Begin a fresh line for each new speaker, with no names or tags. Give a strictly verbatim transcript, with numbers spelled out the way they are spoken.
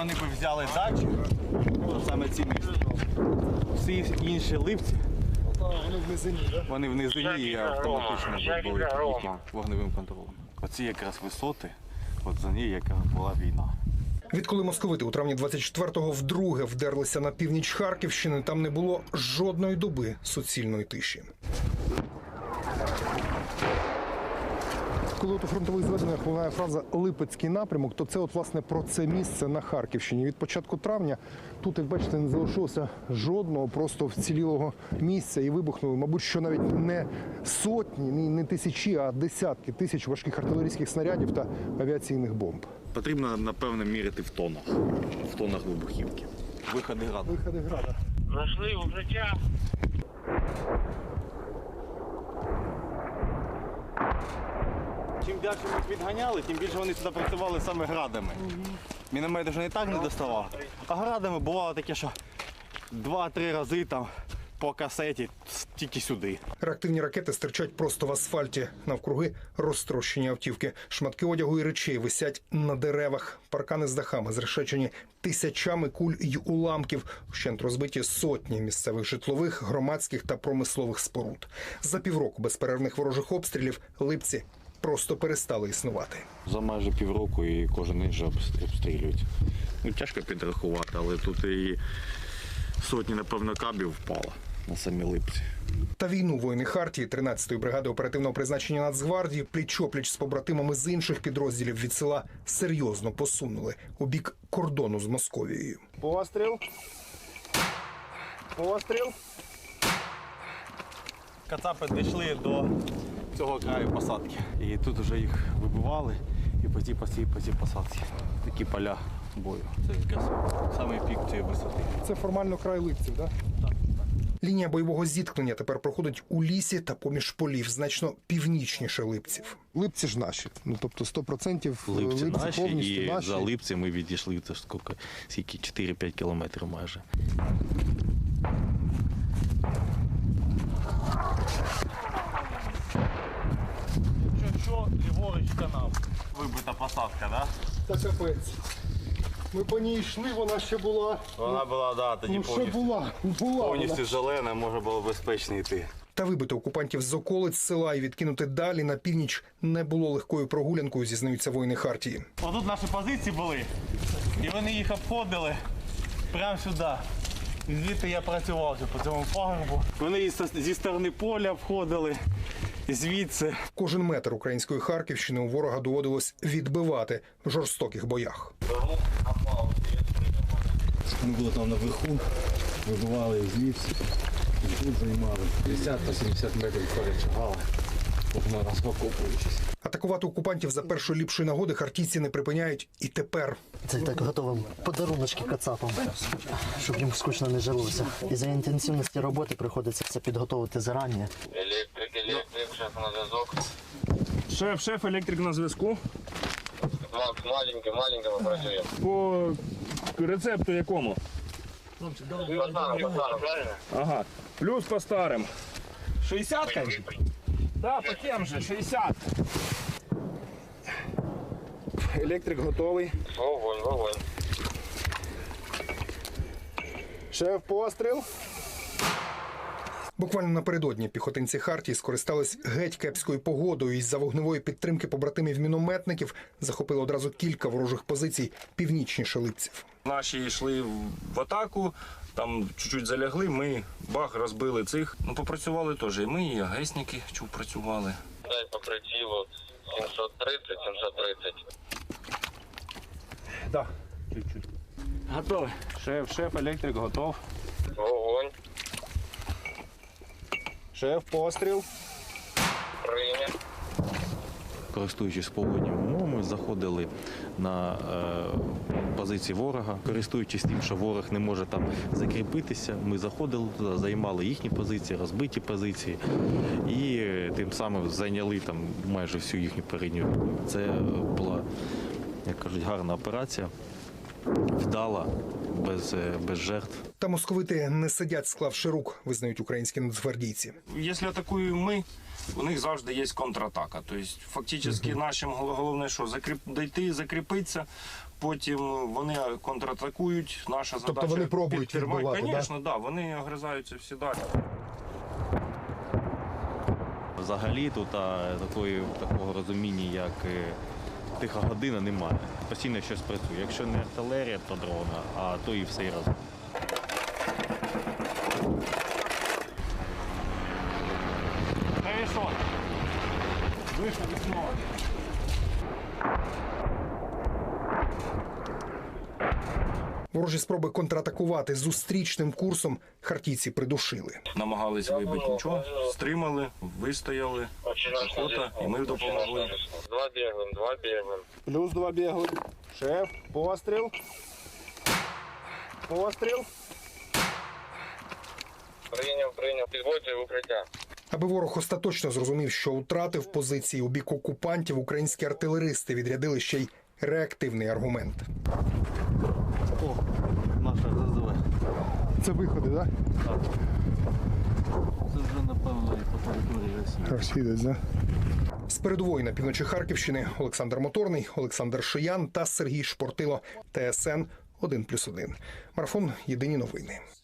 вони б взяли дачу, то саме ці місця. Всі інші липці,
вони в низині, так?
вони в низині і автоматично були їхнім вогневим контролем. Оці якраз висоти, от за ній яка була війна.
Відколи московити у травні двадцять четвертого вдруге вдерлися на північ Харківщини, там не було жодної доби суцільної тиші. Коли от у фронтових зведеннях лунає фраза «Липецький напрямок», то це от власне про це місце на Харківщині. Від початку травня тут, як бачите, не залишилося жодного просто вцілілого місця і вибухнули, мабуть, що навіть не сотні, не тисячі, а десятки тисяч важких артилерійських снарядів та авіаційних бомб.
Потрібно, напевно, міряти в тонах, в тонах вибухівки. Виходи града.
Виходи града.
Знайшли укриття.
Чим далі ми їх відганяли, тим більше вони сюди працювали саме градами. Міномет вже не так не доставав, а градами бувало таке, що два-три рази там по касеті тільки сюди.
Реактивні ракети стирчать просто в асфальті. Навкруги розтрощені автівки. Шматки одягу і речей висять на деревах. Паркани з дахами зрешечені тисячами куль й уламків. Вщент розбиті сотні місцевих житлових, громадських та промислових споруд. За півроку безперервних ворожих обстрілів Липці просто перестали існувати.
За майже півроку і кожен день вже обстрілюють. Ну, тяжко підрахувати, але тут і сотні, напевно, кабів впало на самі Липці.
Та війну воїни Хартії тринадцятої бригади оперативного призначення Нацгвардії пліч-опліч з побратимами з інших підрозділів від села серйозно посунули у бік кордону з Московією.
Постріл. Постріл. Кацапи дійшли до цього краю посадки. І тут вже їх вибивали і по цій, по цій, по цій посадці. Такі поля бою. Це якраз самий пік цієї висоти.
Це формально край Липців, так?
Так, так.
Лінія бойового зіткнення тепер проходить у лісі та поміж полів, значно північніше Липців.
Липці ж наші, ну тобто сто відсотків
Липці,
Липці
наші,
повністю
і
наші.
за Липці ми відійшли це скільки, скільки чотири-п'ять кілометрів майже. Що, ліворуч канав. Вибита посадка, так? Да?
Та капець. Ми по ній йшли, вона ще була.
Вона була, да, тоді
Ну що
повністю,
була? Була
повністю
вона.
зелена, можна було безпечно йти.
Та вибити окупантів з околиць села і відкинути далі на північ не було легкою прогулянкою, зізнаються воїни Хартії.
Отут наші позиції були, і вони їх обходили прямо сюди. І звідти я працював по цьому пагорбу. Вони і зі сторони поля обходили, і звідси.
Кожен метр української Харківщини у ворога доводилось відбивати в жорстоких боях.
Ми були там наверху, вибивали звідси, і тут займали п'ятдесят-сімдесят метрів перечагали, розпокопуючись.
Атакувати окупантів за першої ліпшої нагоди хартійці не припиняють і тепер.
Це так готовим подаруночки кацапам, щоб їм скучно не жилося. І за інтенсивності роботи приходиться це підготовити зарані.
Електрик, електрик, шеф на зв'язок.
Шеф, шеф, електрик на зв'язку.
Макс, маленький, маленького працюємо.
По рецепту якому?
По старому, по старому, правильно?
Ага. Плюс по старим. шістдесятка? Да, по тем же, шістдесят. Електрик готовий.
Вогонь, вогонь.
Шеф, постріл.
Буквально напередодні піхотинці Хартії скористались геть кепською погодою і з-за вогневої підтримки побратимів-мінометників захопили одразу кілька ворожих позицій північніше Липців.
Наші йшли в атаку, там чуть-чуть залягли, ми бах, розбили цих. Ну, попрацювали теж. І ми, і агесники чув працювали.
Дай по прицілу сімсот тридцять, сімсот тридцять.
Так, чуть-чуть. Готовий. Шеф, шеф, електрик готов.
Вогонь,
Шеф, постріл.
прийняв.
Користуючись погодніми умовами, заходили на е, позиції ворога. Користуючись тим, що ворог не може там закріпитися, ми заходили туди, займали їхні позиції, розбиті позиції і тим самим зайняли там майже всю їхню передню лінію. Це була, як кажуть, гарна операція. вдала, без, е, без жертв.
Та московити не сидять, склавши рук, визнають українські нацгвардійці.
Якщо атакуємо ми, у них завжди є контратака. Тобто, фактично, нашим гол- головне, що закріп... дійти, закріпитися, потім вони контратакують. Наша задача
Тобто вони пробують
підтримати.
відбивати, да?
Звісно, да, вони огризаються всі далі.
Взагалі тут а, такої, такого розуміння, як е, тиха година, немає. Постійно щось працює. Якщо не артилерія, то дрона, а то і все разом.
Вийшло вікно.
Ворожі спроби контратакувати зустрічним курсом хартійці придушили.
Намагались вибити нічого, стримали, вистояли, охота, і ми допомогли.
Два біглим, два біглим.
Плюс два бігли. Шеф, постріл. Постріл.
Прийняв, прийняв. Підводжує в укриття.
Аби ворог остаточно зрозумів, що втратив позиції у бік окупантів, українські артилеристи відрядили ще й реактивний аргумент.
О, наша ЗЗВ.
Це виходи, так?
Це вже, напевно, і по території Росії.
Розхідець, да? З передової на півночі Харківщини Олександр Моторний, Олександр Шиян та Сергій Шпортило. Т С Н один плюс один. Марафон «Єдині новини».